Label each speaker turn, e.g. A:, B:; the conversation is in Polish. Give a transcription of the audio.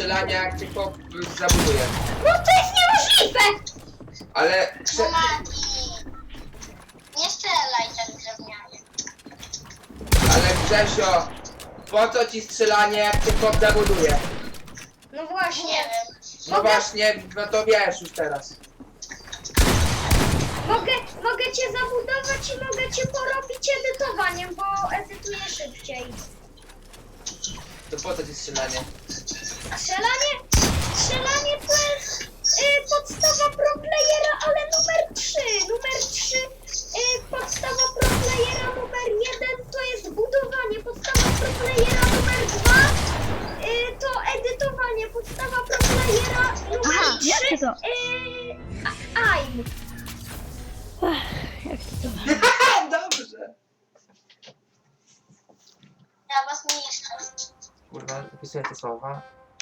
A: strzelania, jak cię chłop zabuduje.
B: No to jest niemożliwe!
A: Ale...
C: No Mati. Nie strzelaj tak drewnianie.
A: Ale Grzesio, po co ci strzelanie, jak cię chłop zabuduje?
B: No
C: Nie
B: właśnie.
C: wiem.
A: No właśnie, no to wiesz już teraz.
B: Mogę cię zabudować i mogę cię porobić edytowaniem, bo edytuję szybciej.
A: To po co ci strzelanie?
B: Strzelanie to jest podstawa pro playera, ale numer 3. Numer 3, podstawa pro playera numer 1 to jest budowanie. Podstawa pro playera numer 2 to edytowanie. Podstawa pro playera numer
D: Aha,
B: 3
D: jakie to?
B: AIM.
D: Jak to?
A: Dobrze.
C: Ja was niszczę.
A: Kurwa, zapisuję te słowa.